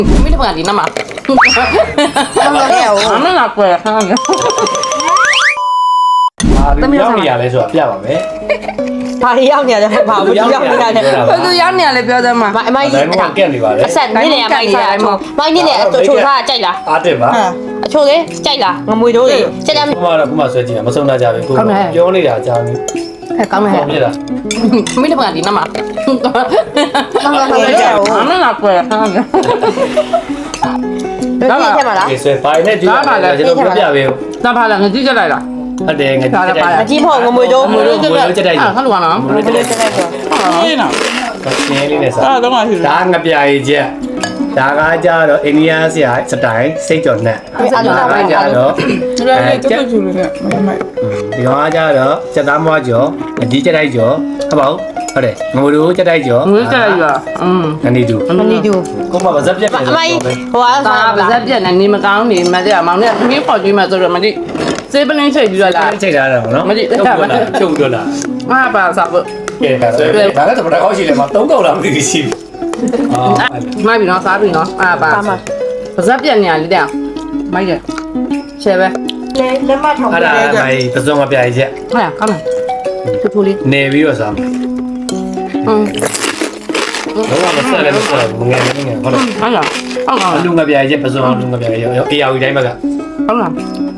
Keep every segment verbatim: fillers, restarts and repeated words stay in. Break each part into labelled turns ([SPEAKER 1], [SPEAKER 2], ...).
[SPEAKER 1] ไม่ได้ปกตินะมา
[SPEAKER 2] ทำอะไรอ่ะ
[SPEAKER 1] ไม่หลับเลยค่ะ
[SPEAKER 3] တမရောက်နေရလဲဆိုတာပြပါမယ်
[SPEAKER 2] ဘာရောက်နေရလဲဘာဘူးရောက်နေရတယ်
[SPEAKER 1] ဘယ်သူရောက်နေရလဲပြောစမ်းမ
[SPEAKER 2] မအမိုင်း
[SPEAKER 3] ဒါမှမဟုတ်ကက်နေပါလေ
[SPEAKER 2] အဆက်နေနေအမိုင်းစားမိုင်းနေနေအချိုထားကြိုက်လား
[SPEAKER 3] အားတက်ပါ
[SPEAKER 2] အချိုလေကြိုက်လားငမွေတို့လေကြက်တယ်
[SPEAKER 3] ဘုမတော့ဘုမဆွဲကြည့်တာမဆုံးတာကြပဲကိုပြောနေတာကြားနေ
[SPEAKER 1] แค่ကောင်းနေ
[SPEAKER 3] ဟုတ်ပြီလား
[SPEAKER 1] ไม่ได้ปกตินะมา ไม่หลับเลยค่ะ
[SPEAKER 2] ဒါကထဲမှာလား
[SPEAKER 3] ဒီဆွဲပါနေကြည့်တာကျွန်တော်ပြပြပေး
[SPEAKER 1] ตาพาละငကြည့်ကြလိုက်လား
[SPEAKER 3] ဟုတ်တယ်ငါကြည့်တယ်
[SPEAKER 2] အကြီးဖို့ငမွေတို့
[SPEAKER 3] ငွေလုံးချက်တိုက်
[SPEAKER 1] အဲ့ဟာလောကနော်
[SPEAKER 3] ငွေလုံးချက်တိုက်
[SPEAKER 2] ကြက်တယ်ဆို
[SPEAKER 1] ဟင်းနော်
[SPEAKER 3] ရှင်းလေးနဲ့စား
[SPEAKER 1] အဲ့တော့မှရှိတယ်
[SPEAKER 3] ဒါငပြာကြီးချက်ဒါကကြတော့အိန္ဒိယဆရာစတိုင်စိတ်ကြော်နဲ့ဒါကကြတော့
[SPEAKER 4] အဲ့ဒါလည်းတူတူလေးနဲ့မမိုက်
[SPEAKER 3] ဒီကောင်ကကြတော့စက်သားမွားကြော်အဒီချက်တိုက်ကြော်ဟုတ်ပါဘူးဟုတ်တယ်ငိုတို့ချက်တိုက်ကြော်
[SPEAKER 1] ငွေကြလိုက်ရอืม
[SPEAKER 3] ငနေတူ
[SPEAKER 2] မနီတူ
[SPEAKER 3] ကိုမပါဇက်ပြက်ပြန်
[SPEAKER 2] အမိုင်းဟို
[SPEAKER 1] ဒါ
[SPEAKER 2] က
[SPEAKER 1] ပါဇက်ပြက်နေနေမကောင်းနေမတဲ့မောင်နဲ့ငင်းပေါ်ကြည့်မှဆိုတော့မတိစေးပလင်းချိန်ပြီးတော့လား
[SPEAKER 3] ချိန်ထားတာပေါ့နော်ချုပ်တော့လား
[SPEAKER 1] မပါစားဖို့
[SPEAKER 3] ကဲဒါဆိုဒါလည်းတော့ဘာကောက်ရှိလဲမသုံးကောက်လားမသိဘူးရှိပြီအာ
[SPEAKER 1] မိုက်ပြီနော်စားပြီနော်အဲ့ပါပါဇက်ပြက်နေရလေးတဲ့မိုက်တယ်ချဲပဲ
[SPEAKER 2] လက်မထောင်
[SPEAKER 3] အဲ့ဒါမိုင်းပစုံမပြာကြီးချက်
[SPEAKER 1] ဟုတ်ရကောင်းတယ်ထူထူလေး
[SPEAKER 3] နေပြီးတော့စား
[SPEAKER 1] อืม
[SPEAKER 3] တော့မဆက်လည်းမဆက်ဘူးငယ်ငယ်ဟုတ်လား
[SPEAKER 1] ဟုတ်လားဟုတ်လား
[SPEAKER 3] အလူငပြာကြီးချက်ပစုံအလူငပြာကြီးအေယာဝီတိုင်းမှာက
[SPEAKER 1] ဟုတ်လား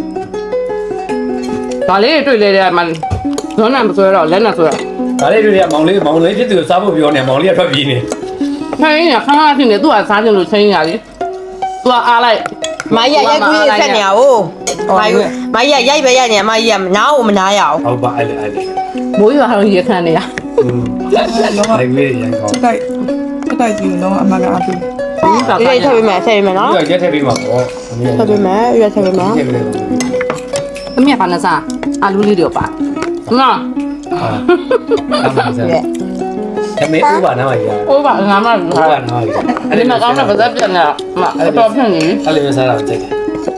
[SPEAKER 1] ဒါလေးတွေ့လေတဲ့မှာဇွန်နံမဆွဲတော့လက်နဲ့ဆွဲ
[SPEAKER 3] ဒါလေးတွေကမောင်လေးမောင်လေးဖြစ်သူစားဖို့ပြောနေမောင်လေးကထွက်ပြေးနေ
[SPEAKER 1] ခိုင်းရခါခါဖြစ်နေသူကစားကြလို့ချင်းရလေသူကအားလိုက်
[SPEAKER 2] မိုင်းရရိုက်ခွေးဆက်နေရဟိုမိုင်းမိုင်းရရိုက်ပဲရိုက်နေမိုင်းရမနာဘူးမနာရအောင်
[SPEAKER 3] ဟုတ်ပါအဲ့လေအဲ့လေ
[SPEAKER 1] မိုးရွာတော့ရေခန့်နေရ
[SPEAKER 3] อืมအဲ့ဒီရန်ကောင်း
[SPEAKER 4] ချက်တိုက်ချက်တိုက်ကြည့်တော့အမကအပူ
[SPEAKER 1] ဒီက
[SPEAKER 2] ဒီထည့်ပေးမယ်ထည့်ပေးမယ်နော်
[SPEAKER 3] ဒီကရက်ထည့်ပြီးမှာပေါ့
[SPEAKER 2] ထည့်ပေးမယ်ရွက်ထည့်ပေးမယ်
[SPEAKER 3] ထည့်ပြီးတယ်
[SPEAKER 1] အမေကလည်းစားအာလူလေးတွေပါနော်
[SPEAKER 3] ဟာအမှန်စားအမေဥပါနာမကြီး
[SPEAKER 1] ဟိုပါငါမှ
[SPEAKER 3] ဥပါနာမကြီး
[SPEAKER 1] အဲ့ဒီမှာကောင်းတဲ့ပါဇက်ပြန်နေမှာအတော်ဖြစ်နေ
[SPEAKER 3] အဲ့လိုစားတာကြိုက်တယ်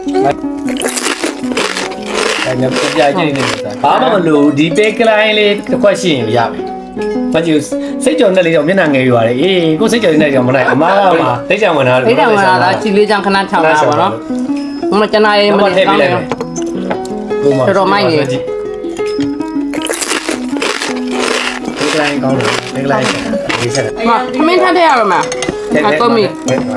[SPEAKER 3] အဲ့ညပြကြည့်နေနေတာဘာမှမလို့ဒီပေကလိုင်းလေးတစ်ခွက်ရှိရင်ရပြီဘာကြည့်စိတ်ကြော်နဲ့လေးတော့မျက်နှာငယ်ရွာတယ်အေးကိုစိတ်ကြော်နဲ့ကြောင်မလိုက်အမားကမှစိတ်ကြောင်ဝင်တာ
[SPEAKER 1] ဒိတ်တယ်ဝင်လာတာချီလေးချောင်းခဏချောင်းလာပါတော့မကျနာရေးမနေကောင်းတယ်
[SPEAKER 3] တော်တော်မိုက်နေဒီကလိုင်းကောင်းတယ်ဒီကလိုင်းဒီဆက်
[SPEAKER 1] မမင်းထားတဲ့ရမှာအကောမီ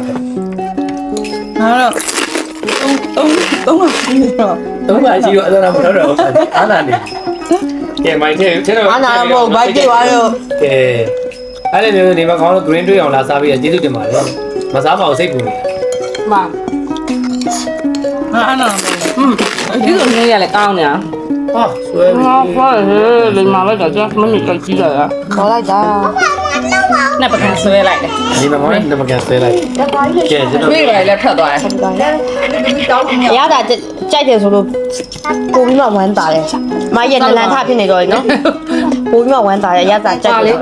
[SPEAKER 4] ငါတော့တုံးတုံးတုံးပါပြီးတော့
[SPEAKER 3] တော့ပါရှိတော့အဲ့ဒါမတော်တော့အာနာနေကဲမိုက်တဲ့ထဲတော့ကဲအဲ့လိုမျိုးနေမှာကောင်းလို့ green တွေ့အောင်လာစားပြီးကျေးဇူးတင်ပါတယ်မစားပါဘူးစိတ်ပူနေ
[SPEAKER 1] မ
[SPEAKER 4] ငါအနာ
[SPEAKER 1] อืมဒီလိုနေရလဲကောင်းနေတာ
[SPEAKER 3] ဟာဆွဲ
[SPEAKER 1] ငါဖားဟဲ့လေမာလိုက်တာကျမမီကြည့်ရတာ
[SPEAKER 2] ခေါ်လိုက်တာ
[SPEAKER 1] နဲ့ပကံဆွဲလိုက်တယ်
[SPEAKER 3] ဒီမှာမောင်နမကန်ဆွဲလိုက်ကဲကျွန်တော်
[SPEAKER 1] တွေ့လိုက်လက်ထပ်သွားတယ်
[SPEAKER 2] ရတာကြိုက်တယ်ဆိုလို့ပိုပြီးမှဝမ်းတာတယ်မိုင်းရနလန်ထဖြစ်နေတော့နော်ပိုပြီးမှဝမ်းတာရရတာကြိုက်တယ်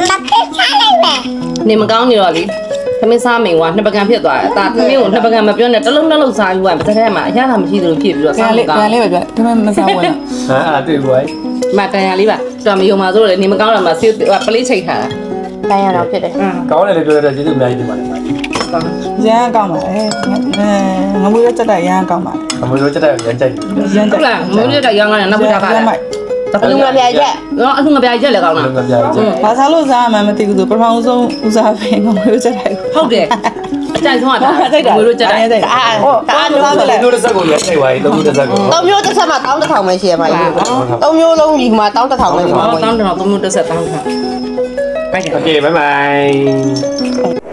[SPEAKER 1] နေမကောင်းနေတော့လေသမင်းစားမိန်ကနှစ်ပကံဖြစ်သွားတယ်အသာသမင်းကိုနှစ်ပကံမပြောနဲ့တလုံးတစ်လုံးစားယူရင်တစ်ထက်မှာအရသာမရှိသလိုဖြစ်ပြီးတော့
[SPEAKER 4] ပြန်
[SPEAKER 1] စားမ
[SPEAKER 4] လေး
[SPEAKER 1] ကော
[SPEAKER 4] ပြန်
[SPEAKER 1] င်း
[SPEAKER 4] လေးပဲပြဒါမှမစားဝင်
[SPEAKER 3] ဟာအဲ့တွေ့ဘူးဟဲ့
[SPEAKER 1] မကန်ရလေးပါတော်မယုံပါဆိုတော့လေနေမကောင်းတော့မှဆေးပလေးချိတ်ထားတာ
[SPEAKER 2] တိုင်းရတော့ဖြစ်တယ်
[SPEAKER 3] ကောင်းတယ်လေပြောတော့ကျေးဇူးအများကြီးတင်ပါတယ်
[SPEAKER 4] ရမ်းကောင်းပါလေငမွေးချက်တိုက်ရမ်းကောင်းပါ
[SPEAKER 3] အမေတို့ချက်တဲ့ရမ်းကြိုက်
[SPEAKER 4] ရမ်း
[SPEAKER 1] ဟုတ်လားမင်းတို့ကရောင်းရတယ်နောက်ဘက်ထားတာ
[SPEAKER 2] အလူငပြရက်
[SPEAKER 1] တော့အခုငပြချက်လည်းကောင်းတာ
[SPEAKER 3] လုံးကပြားကြည့်
[SPEAKER 4] ဘာသာလို့စားမှမသိဘူးဆိုပထမဆုံးဦးစားပဲငမွေးချက်တိုက်
[SPEAKER 1] ဟုတ်တယ်အကြိုက်ဆုံးကဒါငွေတို့ချက်တယ်
[SPEAKER 2] အာအာနွားမလဲ
[SPEAKER 3] တို့တစ်စက်ကိုလည်းထိုက်ပါပြီသုံးတစ်စက်ကို
[SPEAKER 2] သုံးမျိုးတစ်ဆက်မှာတောင်းတစ်ထောင်ပဲရှိရမှာလေသုံးမျိုးလုံးဒီမှာတောင်းတစ်ထောင်ပဲရှိမှာ
[SPEAKER 1] တောင်းတောင်းသုံးလို့တစ်ဆက်တောင်းထား
[SPEAKER 3] โอเคบ๊ายบาย